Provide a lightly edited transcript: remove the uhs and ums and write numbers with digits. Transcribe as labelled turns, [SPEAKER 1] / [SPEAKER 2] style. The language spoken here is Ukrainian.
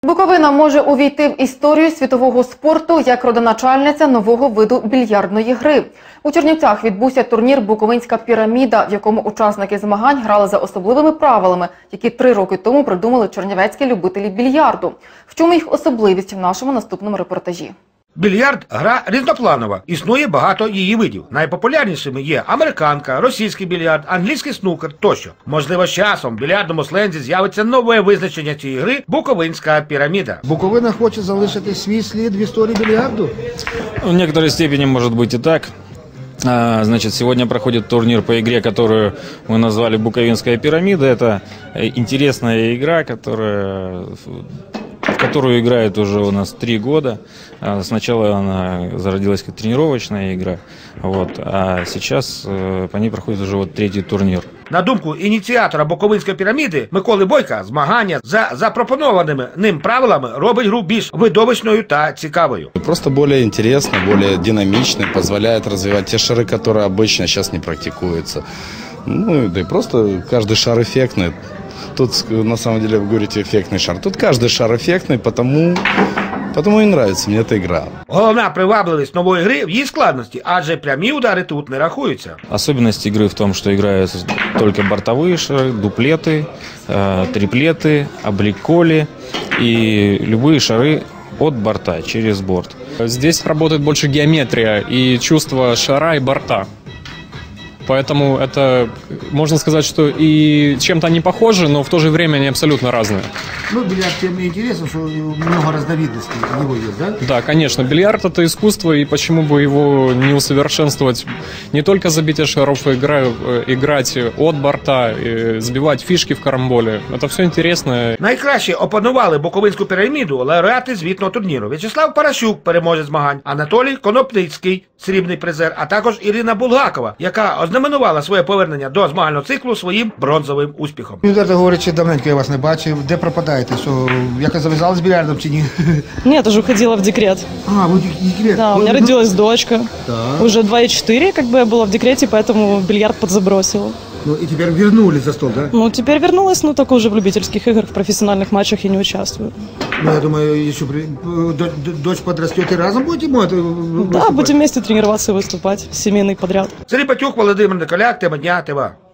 [SPEAKER 1] Буковина може увійти в історію світового спорту як родоначальниця нового виду більярдної гри. У Чернівцях відбувся турнір «Буковинська піраміда», в якому учасники змагань грали за особливими правилами, які 3 роки тому придумали чернівецькі любителі більярду. В чому їх особливість в нашому наступному репортажі.
[SPEAKER 2] Більярд – гра різнопланова. Існує багато її видів. Найпопулярнішими є американка, російський більярд, англійський снукер тощо. Можливо, з часом в більярдному слензі з'явиться нове визначення цієї гри – «Буковинська піраміда».
[SPEAKER 3] Буковина хоче залишити свій слід в історії більярду?
[SPEAKER 4] В некоторой степени может быть и так. Значит, сегодня проходит турнир по игре, которую мы назвали «Буковинская пирамида». Это интересная игра, которую играет уже у нас 3 года. Сначала она зародилась как тренировочная игра, а сейчас по ней проходит уже 3-й турнір.
[SPEAKER 2] На думку ініціатора Буковинської піраміди Миколи Бойка, змагання за запропонованими ним правилами робить гру більш видовищною та цікавою.
[SPEAKER 5] Просто более интересно, более динамично, позволяет развивать те шары, которые обычно сейчас не практикуются. Ну, да и просто каждый шар эффектный. Тут, на самом деле, вы говорите, эффектный шар. Тут каждый шар эффектный, потому и нравится мне эта игра.
[SPEAKER 2] Головна привабливість нової гри в її складності, адже прямі удари тут не рахуються.
[SPEAKER 4] Особенность игры в том, что играются только бортовые шары, дуплеты, триплеты, обликоли и любые шары от борта, через борт.
[SPEAKER 6] Здесь работает больше геометрия и чувство шара и борта. Поэтому это, можно сказать, что и чем-то они похожи, но в то же время они абсолютно разные.
[SPEAKER 3] Ну, бильярд тем и интересно, что много разновидностей его есть, да?
[SPEAKER 6] Да, конечно. Бильярд – это искусство, и почему бы его не усовершенствовать? Не только забитие шаров, играть от борта, сбивать фишки в карамболе. Это все интересно.
[SPEAKER 2] Найкраще опанували Буковинську піраміду лауреати звітного турніру. В'ячеслав Паращук, переможець змагань, Анатолій Конопницький, срібний призер, а також Ірина Булгакова, яка ознаменувала своє повернення до змагального циклу своїм бронзовим успіхом.
[SPEAKER 3] Відверто говорячи, давненько я вас не бачив. Де пропадаєте? Що, якось зав'язали з більярдом чи ні?
[SPEAKER 7] Нет, уже уходила в декрет.
[SPEAKER 3] В декрет?
[SPEAKER 7] Да, у меня родилась дочка.
[SPEAKER 3] Так.
[SPEAKER 7] Уже 2,4, как бы я была в декрете, поэтому бильярд подзабросила.
[SPEAKER 3] Ну и теперь вернулись за стол, да?
[SPEAKER 7] Ну, теперь вернулась, но только уже в любительских играх, в профессиональных матчах я не участвую.
[SPEAKER 3] Ну, я думаю, еще дочь подрастет и разом будете
[SPEAKER 7] Да, будем вместе тренироваться и выступать. Семейный подряд.
[SPEAKER 2] Сергій Батюк, Володимир Николяк, тема дня, ТВА.